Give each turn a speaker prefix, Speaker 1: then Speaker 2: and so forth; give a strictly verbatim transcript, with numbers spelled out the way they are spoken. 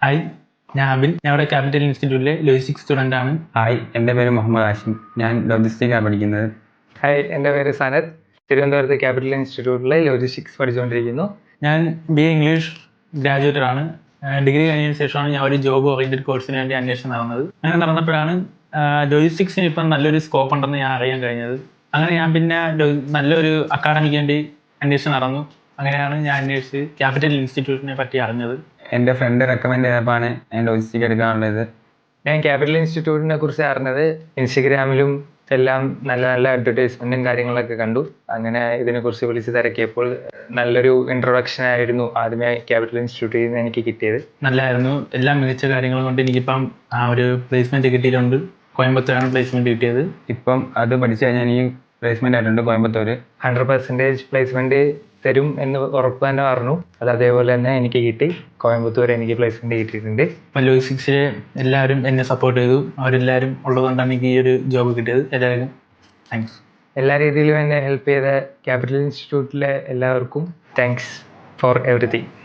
Speaker 1: Hi, ഞാൻ അബിൻ. ഞാൻ ഇവിടെ ക്യാപിറ്റൽ ഇൻസ്റ്റിറ്റ്യൂട്ടിലെ ലോജിസ്റ്റിക്സ് സ്റ്റുഡൻ്റ് ആണ്.
Speaker 2: ഹായ്, എൻ്റെ പേര് മുഹമ്മദ് ആഷിം. ഞാൻ ലോജിസ്റ്റിക്സാണ് പഠിക്കുന്നത്.
Speaker 3: ഹായ്, എൻ്റെ പേര് സനത്. തിരുവനന്തപുരത്ത് ക്യാപിറ്റൽ ഇൻസ്റ്റിറ്റ്യൂട്ടിലെ ലോജിസ്റ്റിക്സ് പഠിച്ചുകൊണ്ടിരിക്കുന്നു.
Speaker 1: ഞാൻ ബി എ ഇംഗ്ലീഷ് ഗ്രാജുവേറ്റഡ് ആണ്. ഡിഗ്രി കഴിഞ്ഞതിന് ശേഷമാണ് ഞാൻ ഒരു ജോബ് ഓറിയൻറ്റഡ് കോഴ്സിന് വേണ്ടി അന്വേഷണം നടന്നത്. അങ്ങനെ നടന്നപ്പോഴാണ് ലോജിസ്റ്റിക്സിന് ഇപ്പം നല്ലൊരു സ്കോപ്പ് ഉണ്ടെന്ന് ഞാൻ അറിയാൻ കഴിഞ്ഞത്. അങ്ങനെ ഞാൻ പിന്നെ നല്ലൊരു അക്കാഡമിക്ക് വേണ്ടി അന്വേഷണം നടന്നു. അങ്ങനെയാണ് ഞാൻ അന്വേഷിച്ച് ക്യാപിറ്റൽ ഇൻസ്റ്റിറ്റ്യൂട്ടിനെ പറ്റി അറിഞ്ഞത്.
Speaker 2: എൻ്റെ ഫ്രണ്ട് റെക്കമെൻഡ് ചെയ്തപ്പോഴാണ് ഞാൻ ലോജിസ്റ്റിക്സ് എടുക്കാനുള്ളത്.
Speaker 3: ഞാൻ ക്യാപിറ്റൽ ഇൻസ്റ്റിറ്റ്യൂട്ടിനെ കുറിച്ച് അറിഞ്ഞത് ഇൻസ്റ്റഗ്രാമിലും എല്ലാം നല്ല നല്ല അഡ്വർടൈസ്മെൻറ്റും കാര്യങ്ങളൊക്കെ കണ്ടു. അങ്ങനെ ഇതിനെക്കുറിച്ച് വിളിച്ച് തിരക്കിയപ്പോൾ നല്ലൊരു ഇൻട്രൊഡക്ഷൻ ആയിരുന്നു ആദ്യമേ ക്യാപിറ്റൽ ഇൻസ്റ്റിറ്റ്യൂട്ടിൽ നിന്ന് എനിക്ക് കിട്ടിയത്.
Speaker 1: നല്ലതായിരുന്നു. എല്ലാം മികച്ച കാര്യങ്ങൾ കൊണ്ട് എനിക്കിപ്പം ആ ഒരു പ്ലേസ്മെൻറ്റ് കിട്ടിയിട്ടുണ്ട്. കോയമ്പത്തൂരാണ് പ്ലേസ്മെൻറ്റ് കിട്ടിയത്.
Speaker 2: ഇപ്പം അത് പഠിച്ചു കഴിഞ്ഞാൽ എനിക്ക് പ്ലേസ്മെൻ്റ് ആയിട്ടുണ്ട് കോയമ്പത്തൂർ.
Speaker 3: ഹൺഡ്രഡ് പെർസെൻറ്റേജ് പ്ലേസ്മെൻറ്റ് തരും എന്ന് ഉറപ്പ് തന്നെ പറഞ്ഞു. അത് അതേപോലെ തന്നെ എനിക്ക് കിട്ടി. കോയമ്പത്തൂർ എനിക്ക് പ്ലേസ്മെൻറ്റ് കിട്ടിയിട്ടുണ്ട്.
Speaker 1: ഇപ്പം ലോജിസ്റ്റിക്സിൽ എല്ലാവരും എന്നെ സപ്പോർട്ട് ചെയ്തു. അവരെല്ലാവരും ഉള്ളതുകൊണ്ടാണ് എനിക്ക് ഈ ഒരു ജോബ് കിട്ടിയത്. എല്ലാവർക്കും താങ്ക്സ്.
Speaker 3: എല്ലാ രീതിയിലും എന്നെ ഹെൽപ്പ് ചെയ്ത ക്യാപിറ്റൽ ഇൻസ്റ്റിറ്റ്യൂട്ടിലെ എല്ലാവർക്കും താങ്ക്സ് ഫോർ എവറിത്തിങ്.